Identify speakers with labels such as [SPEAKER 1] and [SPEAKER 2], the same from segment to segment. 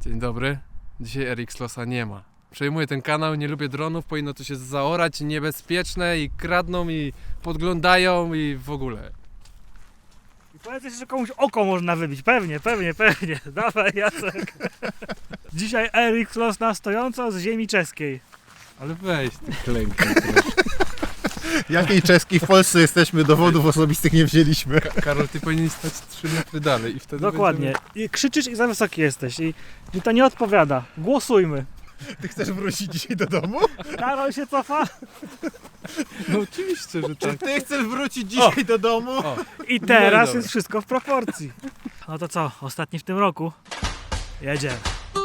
[SPEAKER 1] Dzień dobry. Dzisiaj Erixlosa nie ma. Przejmuję ten kanał, nie lubię dronów, powinno to się zaorać, niebezpieczne i kradną i podglądają i w ogóle.
[SPEAKER 2] I powiedz jeszcze, że komuś oko można wybić. Pewnie. Dawaj, Jacek. Dzisiaj Erixlos na stojąco z ziemi czeskiej.
[SPEAKER 1] Ale weź ty klękaj.
[SPEAKER 3] Jakiej czeskiej w Polsce jesteśmy, dowodów osobistych nie wzięliśmy.
[SPEAKER 1] Karol, ty powinien stać 3 metry dalej i wtedy
[SPEAKER 2] Dokładnie. I krzyczysz i za wysoki jesteś. I to nie odpowiada. Głosujmy.
[SPEAKER 3] Ty chcesz wrócić dzisiaj do domu?
[SPEAKER 2] Karol się cofa.
[SPEAKER 1] No oczywiście, że tak.
[SPEAKER 3] Ty chcesz wrócić dzisiaj do domu?
[SPEAKER 1] O,
[SPEAKER 2] I teraz
[SPEAKER 1] dobra.
[SPEAKER 2] jest wszystko w proporcji. No to co? Ostatni w tym roku. Jedziemy.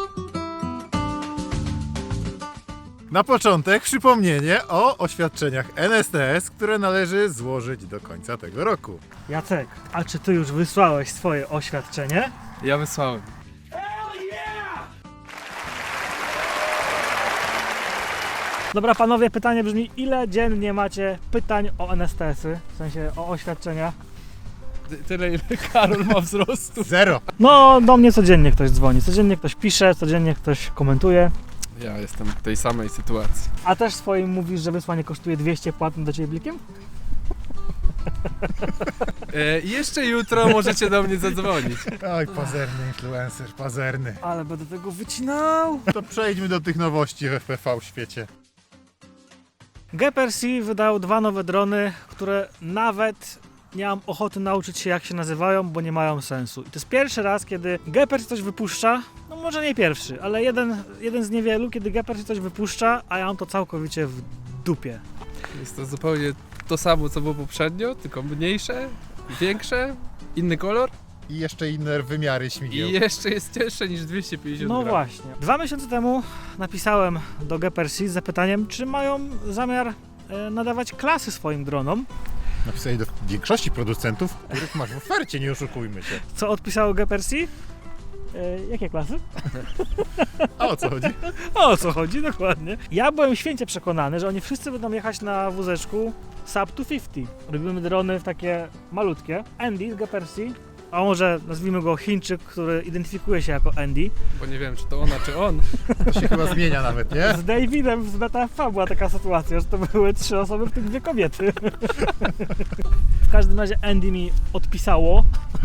[SPEAKER 3] Na początek przypomnienie o oświadczeniach NSTS, które należy złożyć do końca tego roku.
[SPEAKER 2] Jacek, a czy ty już wysłałeś swoje oświadczenie?
[SPEAKER 1] ja wysłałem.
[SPEAKER 2] Dobra panowie, pytanie brzmi, ile dziennie macie pytań o NSTS-y? W sensie o oświadczenia?
[SPEAKER 1] Tyle ile Karol ma wzrostu.
[SPEAKER 3] 0.
[SPEAKER 2] No, do mnie codziennie ktoś dzwoni, codziennie ktoś pisze, codziennie ktoś komentuje.
[SPEAKER 1] Ja jestem w tej samej sytuacji.
[SPEAKER 2] A też swoim mówisz, że wysłanie kosztuje 200 płatnym do ciebie blikiem?
[SPEAKER 1] Jeszcze jutro możecie do mnie zadzwonić.
[SPEAKER 3] Oj, pazerny influencer, pazerny.
[SPEAKER 2] Ale będę tego wycinał.
[SPEAKER 3] To przejdźmy do tych nowości w FPV świecie.
[SPEAKER 2] Gepard wydał 2 nowe drony, które nawet nie mam ochoty nauczyć się jak się nazywają, bo nie mają sensu. I to jest pierwszy raz, kiedy Gepard coś wypuszcza, no może nie pierwszy, ale jeden z niewielu, kiedy Gepard coś wypuszcza, a ja mam to całkowicie w dupie.
[SPEAKER 1] Jest to zupełnie to samo, co było poprzednio, tylko mniejsze, większe, inny kolor
[SPEAKER 3] I jeszcze inne wymiary
[SPEAKER 1] i
[SPEAKER 3] śmigieł.
[SPEAKER 1] jeszcze jest cięższe niż 250
[SPEAKER 2] No
[SPEAKER 1] gram.
[SPEAKER 2] właśnie. 2 miesiące temu napisałem do Gepard z zapytaniem, czy mają zamiar nadawać klasy swoim dronom.
[SPEAKER 3] Napisali do większości producentów, których masz w ofercie, nie oszukujmy się.
[SPEAKER 2] Co odpisało Gepard? Jakie klasy?
[SPEAKER 3] A o co chodzi?
[SPEAKER 2] O co chodzi, dokładnie. Ja byłem święcie przekonany, że oni wszyscy będą jechać na wózeczku Sub 250. Robimy drony w takie malutkie. Andy z Gepard, a może nazwijmy go Chińczyk, który identyfikuje się jako Andy.
[SPEAKER 1] Bo nie wiem, czy to ona, czy on.
[SPEAKER 3] To się chyba zmienia nawet, nie?
[SPEAKER 2] Z Davidem z BTFA była taka sytuacja, że to były 3 osoby, w tym 2 kobiety. W każdym razie Andy mi odpisało,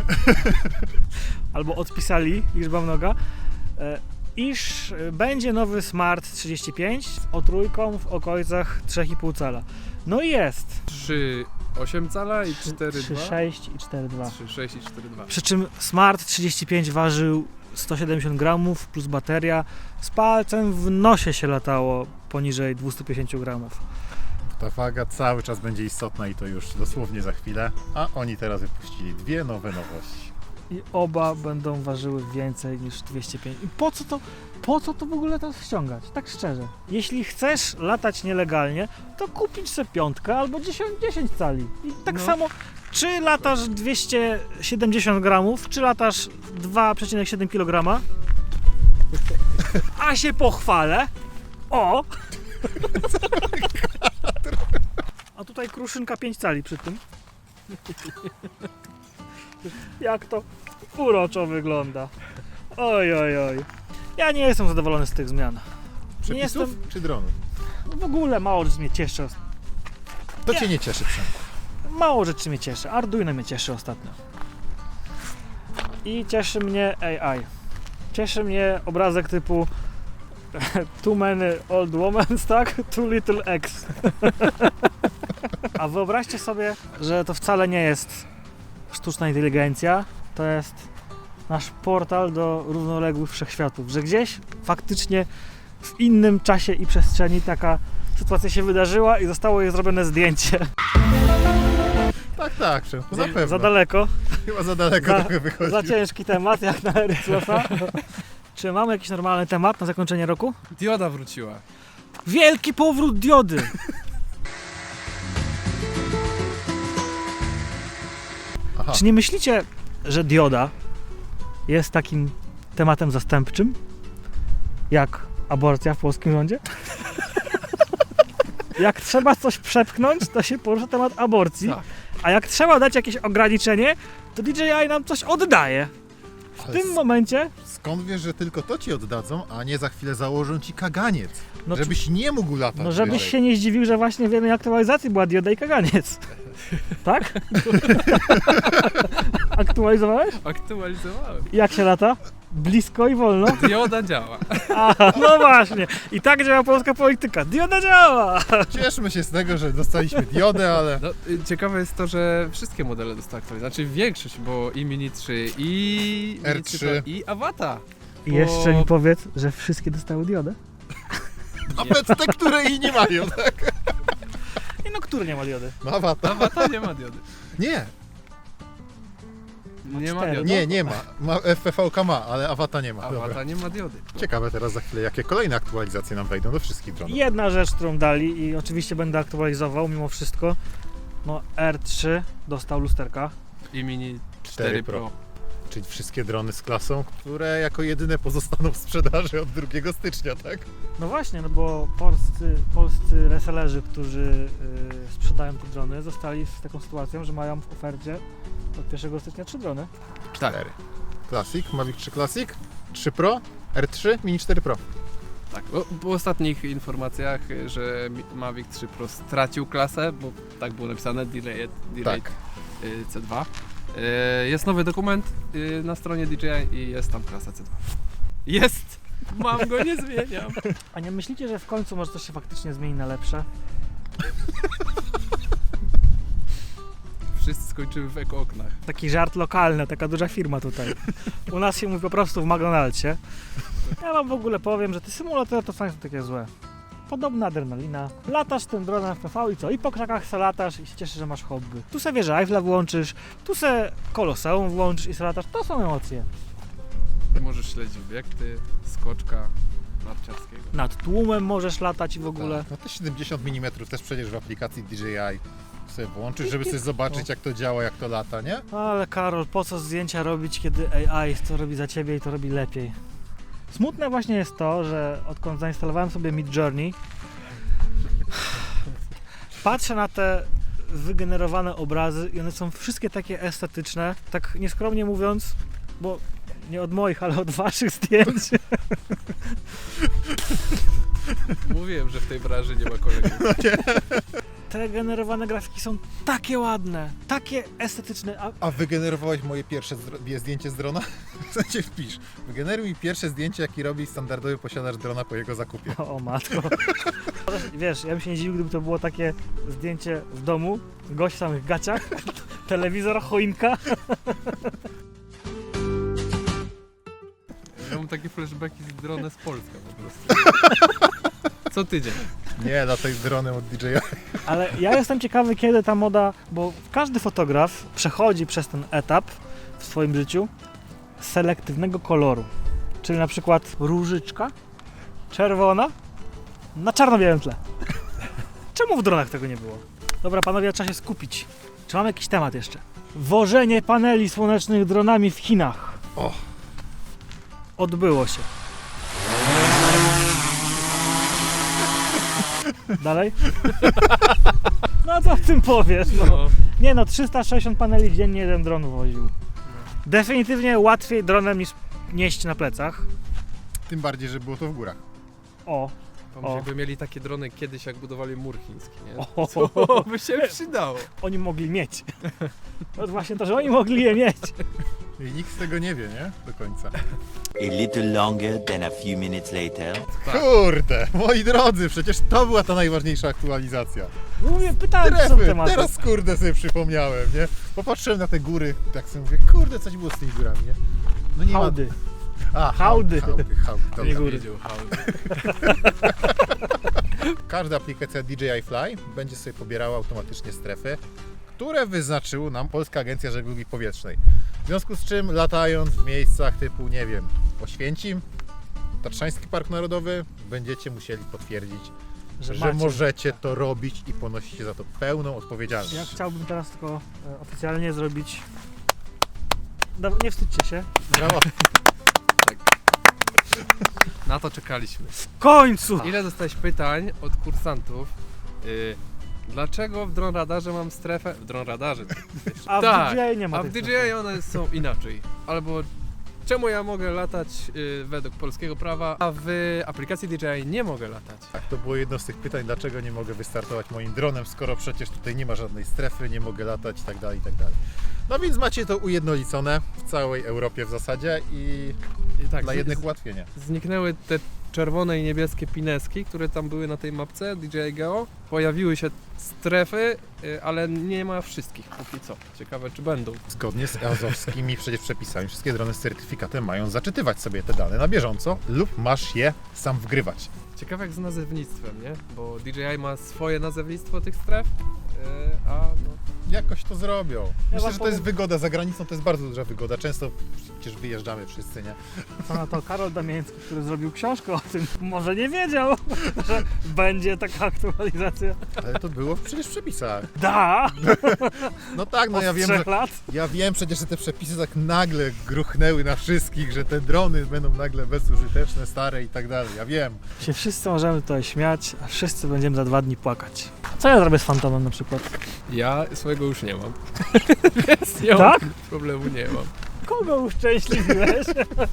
[SPEAKER 2] albo odpisali, liczba mnoga, iż będzie nowy Smart 35 z O3 w okolicach 3,5 cala. No i jest.
[SPEAKER 1] 3,8 cala i 4,2.
[SPEAKER 2] 3,6 i 4,2.
[SPEAKER 1] 3,6 i 4,2.
[SPEAKER 2] Przy czym Smart 35 ważył 170 gramów plus bateria. Z palcem w nosie się latało poniżej 250 gramów.
[SPEAKER 3] Ta waga cały czas będzie istotna i to już dosłownie za chwilę. A oni teraz wypuścili 2 nowe nowości.
[SPEAKER 2] I oba będą ważyły więcej niż 205. I po co to w ogóle teraz ściągać? Tak szczerze. Jeśli chcesz latać nielegalnie, to kupić sobie 5 albo 10 cali. I tak
[SPEAKER 1] No.
[SPEAKER 2] samo, czy latasz 270 gramów, czy latasz 2,7 kg, a się pochwalę. O! A tutaj kruszynka 5 cali przy tym. Jak to uroczo wygląda. Oj. Ja nie jestem zadowolony z tych zmian.
[SPEAKER 3] Przepisów czy dronów?
[SPEAKER 2] W ogóle mało rzeczy mnie cieszy.
[SPEAKER 3] To cię nie cieszy, Przemku.
[SPEAKER 2] Mało rzeczy mnie cieszy. Arduino mnie cieszy ostatnio. I cieszy mnie AI. Cieszy mnie obrazek typu Too many old women, tak? Too little X. A wyobraźcie sobie, że to wcale nie jest sztuczna inteligencja. To jest nasz portal do równoległych wszechświatów. Że gdzieś faktycznie w innym czasie i przestrzeni taka sytuacja się wydarzyła i zostało jej zrobione zdjęcie.
[SPEAKER 3] Tak, Przemku, na pewno.
[SPEAKER 2] Za daleko.
[SPEAKER 3] Chyba za daleko trochę wychodzi.
[SPEAKER 2] Za ciężki temat, jak na Erixlosa. Czy mamy jakiś normalny temat na zakończenie roku?
[SPEAKER 1] Dioda wróciła.
[SPEAKER 2] Wielki powrót diody!
[SPEAKER 3] Aha.
[SPEAKER 2] Czy nie myślicie, że dioda jest takim tematem zastępczym? Jak aborcja w polskim rządzie? Jak trzeba coś przepchnąć, to się porusza temat aborcji.
[SPEAKER 1] Tak.
[SPEAKER 2] A jak trzeba dać jakieś ograniczenie, to DJI nam coś oddaje. W tym momencie
[SPEAKER 3] skąd wiesz, że tylko to ci oddadzą, a nie za chwilę założą ci kaganiec,
[SPEAKER 2] No,
[SPEAKER 3] żebyś nie mógł latać
[SPEAKER 2] no żebyś
[SPEAKER 3] wyżej.
[SPEAKER 2] się nie zdziwił, że właśnie w jednej aktualizacji była dioda i kaganiec. Tak? Aktualizowałeś?
[SPEAKER 1] Aktualizowałem.
[SPEAKER 2] Jak się lata? Blisko i wolno?
[SPEAKER 1] Dioda działa.
[SPEAKER 2] A, no właśnie. I tak działa polska polityka. Dioda działa!
[SPEAKER 3] Cieszmy się z tego, że dostaliśmy diodę, ale
[SPEAKER 1] No, ciekawe jest to, że wszystkie modele dostały aktualizację. Znaczy większość, bo i Mini 3, i Mini
[SPEAKER 3] R3.
[SPEAKER 1] 3 Pro, i Avata.
[SPEAKER 2] I jeszcze mi powiedz, że wszystkie dostały diodę?
[SPEAKER 3] nawet te, które i nie mają, tak?
[SPEAKER 2] I no, który nie ma diody?
[SPEAKER 3] No Avata.
[SPEAKER 1] Avata nie ma diody.
[SPEAKER 3] Nie,
[SPEAKER 1] Nie ma
[SPEAKER 2] cztery.
[SPEAKER 1] diody.
[SPEAKER 3] nie ma. FPV ma, ale Avata nie ma. Dobra.
[SPEAKER 1] Avata nie ma diody.
[SPEAKER 3] Ciekawe teraz za chwilę, jakie kolejne aktualizacje nam wejdą do wszystkich dronów.
[SPEAKER 2] Jedna rzecz, którą dali i oczywiście będę aktualizował mimo wszystko. No R3 dostał lusterka.
[SPEAKER 1] I Mini 4 Pro.
[SPEAKER 3] Czyli wszystkie drony z klasą, które jako jedyne pozostaną w sprzedaży od 2 stycznia, tak?
[SPEAKER 2] No właśnie, no bo polscy resellerzy, którzy sprzedają te drony, zostali z taką sytuacją, że mają w ofercie od 1 stycznia 3 drony.
[SPEAKER 1] Tak,
[SPEAKER 3] 4. Classic, Mavic 3 Classic, 3 Pro, R3, Mini 4 Pro.
[SPEAKER 1] tak. Po ostatnich informacjach, że Mavic 3 Pro stracił klasę, bo tak było napisane, delayed
[SPEAKER 3] Tak.
[SPEAKER 1] C2. Jest nowy dokument na stronie DJI i jest tam klasa C2. Jest! Mam go, nie zmieniam.
[SPEAKER 2] A nie myślicie, że w końcu może coś się faktycznie zmieni na lepsze?
[SPEAKER 1] Wszyscy skończyły w eko-oknach.
[SPEAKER 2] Taki żart lokalny, taka duża firma tutaj. U nas się mówi po prostu w McDonald'sie. Ja wam w ogóle powiem, że te symulatory to wcale nie są takie złe. Podobna adrenalina. Latasz tym dronem w PV i co? I po krzakach se latasz i się cieszysz, że masz hobby. Tu se wieżę Eiffla włączysz, tu se Koloseum włączysz i se latasz. To są emocje.
[SPEAKER 1] Możesz śledzić obiekty, skoczka narciarskiego.
[SPEAKER 2] Nad tłumem możesz latać i w ogóle.
[SPEAKER 3] Tak. No te 70 mm też przecież w aplikacji DJI sobie włączysz, żeby sobie zobaczyć, jak to działa, jak to lata, nie?
[SPEAKER 2] Ale Karol, po co zdjęcia robić, kiedy AI to robi za ciebie i to robi lepiej? Smutne właśnie jest to, że odkąd zainstalowałem sobie Midjourney, patrzę na te wygenerowane obrazy i one są wszystkie takie estetyczne, tak nieskromnie mówiąc, bo nie od moich, ale od waszych zdjęć.
[SPEAKER 1] Mówiłem, że w tej branży nie ma kolegów.
[SPEAKER 2] Te generowane grafiki są takie ładne, takie estetyczne,
[SPEAKER 3] A wygenerowałeś moje pierwsze zdjęcie z drona? W sensie wpisz. Wygeneruj mi pierwsze zdjęcie, jakie robi standardowy posiadacz drona po jego zakupie.
[SPEAKER 2] O matko. Wiesz, ja bym się nie dziwił, gdyby to było takie zdjęcie w domu, gość w samych gaciach, telewizor, choinka.
[SPEAKER 1] Ja mam takie flashbacki z drona z Polska po prostu. Co tydzień.
[SPEAKER 3] Nie, lataj dronem od DJI.
[SPEAKER 2] Ale ja jestem ciekawy, kiedy ta moda, bo każdy fotograf przechodzi przez ten etap w swoim życiu selektywnego koloru. Czyli na przykład różyczka czerwona na czarno-białym tle. Czemu w dronach tego nie było? Dobra, panowie, trzeba się skupić. Czy mam jakiś temat jeszcze? Wożenie paneli słonecznych dronami w Chinach.
[SPEAKER 3] O.
[SPEAKER 2] Odbyło się. Dalej? No co w tym powiesz? No.
[SPEAKER 1] No,
[SPEAKER 2] Nie no, 360 paneli dziennie jeden dron woził. Definitywnie łatwiej dronem niż nieść na plecach.
[SPEAKER 3] Tym bardziej, że było to w górach.
[SPEAKER 2] O,
[SPEAKER 1] pomyśl, jakby mieli takie drony kiedyś, jak budowali mur chiński, nie?
[SPEAKER 2] o,
[SPEAKER 1] Co by się przydało?
[SPEAKER 2] oni mogli mieć. To właśnie to, że oni mogli je mieć.
[SPEAKER 3] I nikt z tego nie wie, nie? Do końca.
[SPEAKER 4] A little longer than a few minutes later.
[SPEAKER 1] Tak.
[SPEAKER 3] Kurde, moi drodzy, przecież to była ta najważniejsza aktualizacja.
[SPEAKER 2] Mówię, pytałem, co są
[SPEAKER 3] Trefy,
[SPEAKER 2] tematy.
[SPEAKER 3] teraz kurde sobie przypomniałem, nie? Popatrzyłem na te góry, tak sobie mówię, kurde, coś było z tymi górami, nie? No nie
[SPEAKER 2] Hałdy.
[SPEAKER 3] ma... A,
[SPEAKER 2] Hałdy.
[SPEAKER 3] Hałdy.
[SPEAKER 2] Nie
[SPEAKER 3] Dobra.
[SPEAKER 2] góry.
[SPEAKER 1] Wiedział, hałdy.
[SPEAKER 3] Każda aplikacja DJI Fly będzie sobie pobierała automatycznie strefy, które wyznaczyła nam Polska Agencja Żeglugi Powietrznej. W związku z czym latając w miejscach typu, nie wiem, Oświęcim, Tatrzański Park Narodowy, będziecie musieli potwierdzić, że
[SPEAKER 2] macie.
[SPEAKER 3] możecie to robić i ponosicie za to pełną odpowiedzialność.
[SPEAKER 2] Ja chciałbym teraz tylko oficjalnie zrobić... Nie wstydźcie się.
[SPEAKER 3] Brawo.
[SPEAKER 1] Na to czekaliśmy.
[SPEAKER 2] W końcu!
[SPEAKER 1] Ile dostałeś pytań od kursantów? Dlaczego w Drone Radarze mam strefę? W Drone Radarze.
[SPEAKER 2] A w
[SPEAKER 1] tak,
[SPEAKER 2] DJI nie ma
[SPEAKER 1] a w
[SPEAKER 2] tej
[SPEAKER 1] DJI one są inaczej. Albo Czemu ja mogę latać według polskiego prawa, a w aplikacji DJI nie mogę latać?
[SPEAKER 3] Tak, to było jedno z tych pytań, dlaczego nie mogę wystartować moim dronem, skoro przecież tutaj nie ma żadnej strefy, nie mogę latać i tak dalej, i tak dalej. No więc macie to ujednolicone w całej Europie w zasadzie i
[SPEAKER 1] tak,
[SPEAKER 3] dla jednych ułatwienia.
[SPEAKER 1] zniknęły te czerwone i niebieskie pineski, które tam były na tej mapce DJI Geo. Pojawiły się strefy, ale nie ma wszystkich póki co. Ciekawe, czy będą.
[SPEAKER 3] Zgodnie z azowskimi przecież przepisami wszystkie drony z certyfikatem mają zaczytywać sobie te dane na bieżąco lub masz je sam wgrywać.
[SPEAKER 1] Ciekawe jak z nazewnictwem, nie? Bo DJI ma swoje nazewnictwo tych stref, a no,
[SPEAKER 3] Jakoś to zrobią. Myślę,
[SPEAKER 2] wam
[SPEAKER 3] że to jest
[SPEAKER 2] powiem-
[SPEAKER 3] wygoda za granicą, to jest bardzo duża wygoda. Często przecież wyjeżdżamy wszyscy, nie?
[SPEAKER 2] Co na to Karol Damiński, który zrobił książkę o tym, może nie wiedział, że będzie taka aktualizacja.
[SPEAKER 3] Ale to było przecież w przepisach.
[SPEAKER 2] Da!
[SPEAKER 3] No tak, no
[SPEAKER 2] Od
[SPEAKER 3] ja wiem,
[SPEAKER 2] 3
[SPEAKER 3] że
[SPEAKER 2] lat.
[SPEAKER 3] ja wiem przecież, że te przepisy tak nagle gruchnęły na wszystkich, że te drony będą nagle bezużyteczne, stare i tak dalej. Ja wiem.
[SPEAKER 2] Się wszyscy możemy tutaj śmiać, a wszyscy będziemy za 2 dni płakać. Co ja zrobię z Fantomem na przykład?
[SPEAKER 1] ja swojego już nie mam. Więc nie
[SPEAKER 2] Tak?
[SPEAKER 1] mam problemu, nie mam.
[SPEAKER 2] Kogo uszczęśliwiłeś?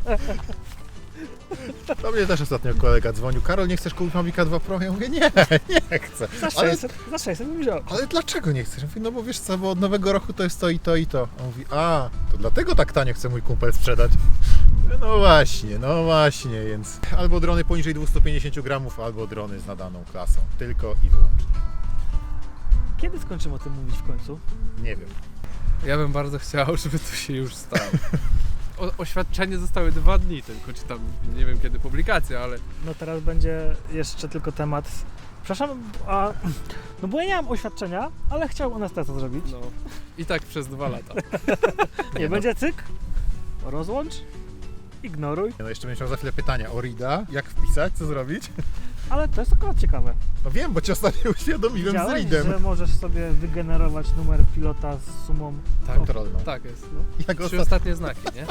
[SPEAKER 3] Do mnie też ostatnio kolega dzwonił. Karol, nie chcesz kupić Mavica 2 Pro? Ja mówię, nie, nie chcę.
[SPEAKER 2] Za
[SPEAKER 3] Ale,
[SPEAKER 2] 600 bym wziął.
[SPEAKER 3] ale dlaczego nie chcesz? Ja mówię, no bo wiesz co, bo od nowego roku to jest to i to i to. On mówi, a, to dlatego tak tanio chce mój kumpel sprzedać. No właśnie, więc albo drony poniżej 250 gramów, albo drony z nadaną klasą. Tylko i wyłącznie.
[SPEAKER 2] Kiedy skończymy o tym mówić w końcu?
[SPEAKER 3] Nie wiem.
[SPEAKER 1] Ja bym bardzo chciał, żeby to się już stało. Oświadczenie zostały 2 dni tylko, czy tam nie wiem kiedy publikacja, ale
[SPEAKER 2] No teraz będzie jeszcze tylko temat. Przepraszam, no bo ja nie mam oświadczenia, ale chciałbym anestezę zrobić.
[SPEAKER 1] no i tak przez 2 lata.
[SPEAKER 2] Nie, będzie cyk, rozłącz, ignoruj,
[SPEAKER 3] No jeszcze będziesz miał za chwilę pytania o RIDA, jak wpisać, co zrobić?
[SPEAKER 2] ale to jest akurat ciekawe.
[SPEAKER 3] No wiem, bo cię ostatnio uświadomiłem z
[SPEAKER 2] Widziałeś,
[SPEAKER 3] RIDem.
[SPEAKER 2] że możesz sobie wygenerować numer pilota z sumą.
[SPEAKER 1] Tak,
[SPEAKER 3] Kontrolną.
[SPEAKER 1] tak jest.
[SPEAKER 2] No.
[SPEAKER 3] Jak
[SPEAKER 1] 3
[SPEAKER 3] ostatnio.
[SPEAKER 1] ostatnie znaki, nie?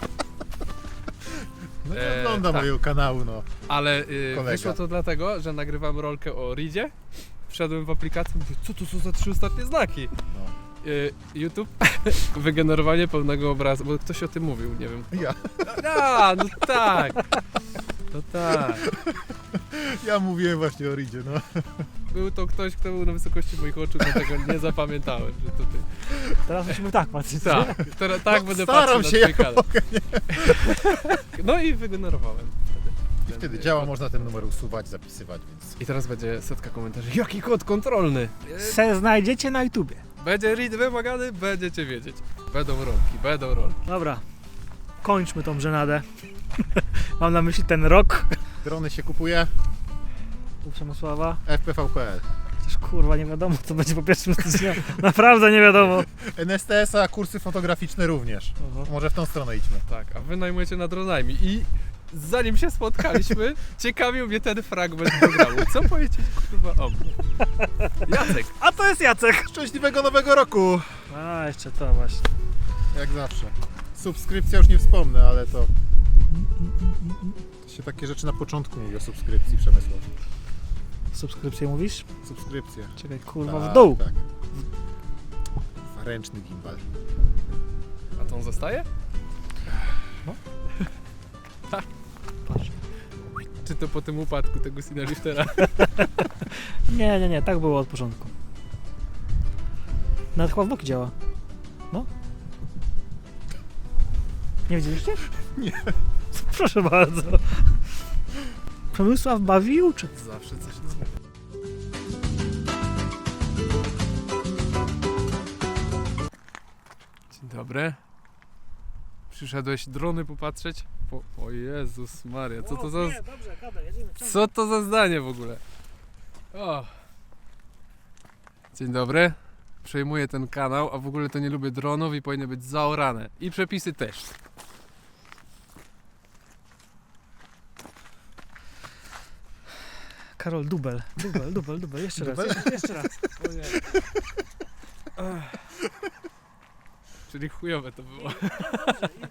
[SPEAKER 3] No nie ogląda
[SPEAKER 1] tak.
[SPEAKER 3] mojego kanału, no.
[SPEAKER 1] Ale
[SPEAKER 3] Kolega.
[SPEAKER 1] wyszło to dlatego, że nagrywam rolkę o Ridzie. Wszedłem w aplikację i mówię, co to są za 3 ostatnie znaki?
[SPEAKER 3] No.
[SPEAKER 1] YouTube, wygenerowanie pełnego obrazu, bo ktoś o tym mówił, nie wiem.
[SPEAKER 3] Ja.
[SPEAKER 1] No tak. No tak.
[SPEAKER 3] Ja mówiłem właśnie o Ridzie, no.
[SPEAKER 1] Był to ktoś, kto był na wysokości moich oczu, dlatego nie zapamiętałem, że to ty.
[SPEAKER 2] Teraz musimy tak patrzeć.
[SPEAKER 1] Tak, tak
[SPEAKER 3] No,
[SPEAKER 1] będę
[SPEAKER 3] staram
[SPEAKER 1] patrzył
[SPEAKER 3] się,
[SPEAKER 1] na
[SPEAKER 3] jak
[SPEAKER 1] twój kanał. No i wygenerowałem wtedy.
[SPEAKER 3] I wtedy działa, można ten numer usuwać, zapisywać, więc...
[SPEAKER 1] I teraz będzie setka komentarzy. Jaki kod kontrolny?
[SPEAKER 2] Se znajdziecie na YouTubie.
[SPEAKER 1] Będzie read wymagany, będziecie wiedzieć. Będą rolki.
[SPEAKER 2] Dobra, kończmy tą żenadę. Mam na myśli ten rok
[SPEAKER 3] Drony się kupuje,
[SPEAKER 2] u Przemysława.
[SPEAKER 3] FPV.pl.
[SPEAKER 2] Chociaż kurwa nie wiadomo co będzie po 1 stycznia. Naprawdę nie wiadomo.
[SPEAKER 3] NSTS-a, kursy fotograficzne również. Może w tą stronę idźmy.
[SPEAKER 1] Tak, a wy najmujecie nad dronami i zanim się spotkaliśmy, ciekawił mnie ten fragment programu. Co powiedzieć kurwa o mnie? Jacek.
[SPEAKER 2] A to jest Jacek.
[SPEAKER 3] Szczęśliwego nowego roku!
[SPEAKER 2] A, jeszcze to właśnie.
[SPEAKER 3] Jak zawsze. Subskrypcja już nie wspomnę, ale to... To się takie rzeczy na początku mówi o subskrypcji, Przemysław.
[SPEAKER 2] Subskrypcję mówisz?
[SPEAKER 3] Subskrypcja.
[SPEAKER 2] Czekaj, kurwa,
[SPEAKER 3] Tak,
[SPEAKER 2] w dół.
[SPEAKER 3] Tak. Ręczny gimbal.
[SPEAKER 1] A to on zostaje?
[SPEAKER 2] Patrz.
[SPEAKER 1] Czy to po tym upadku tego Cineliftera?
[SPEAKER 2] Nie, tak było od początku. Nawet chyba w boki działa. No. Nie widzieliście?
[SPEAKER 3] Nie.
[SPEAKER 2] Proszę bardzo. Przemysław bawi i uczy.
[SPEAKER 1] Zawsze coś nowego. Dzień dobry. Przyszedłeś drony popatrzeć? O Jezus Maria, co to za...
[SPEAKER 2] dobrze, gadaj, jedziemy.
[SPEAKER 1] Co to za zdanie w ogóle? O. Dzień dobry. Przejmuję ten kanał, a w ogóle to nie lubię dronów i powinny być zaorane. I przepisy też.
[SPEAKER 2] Karol, dubel. Jeszcze raz,
[SPEAKER 3] Dubel?
[SPEAKER 2] jeszcze raz.
[SPEAKER 1] Czyli chujowe to było.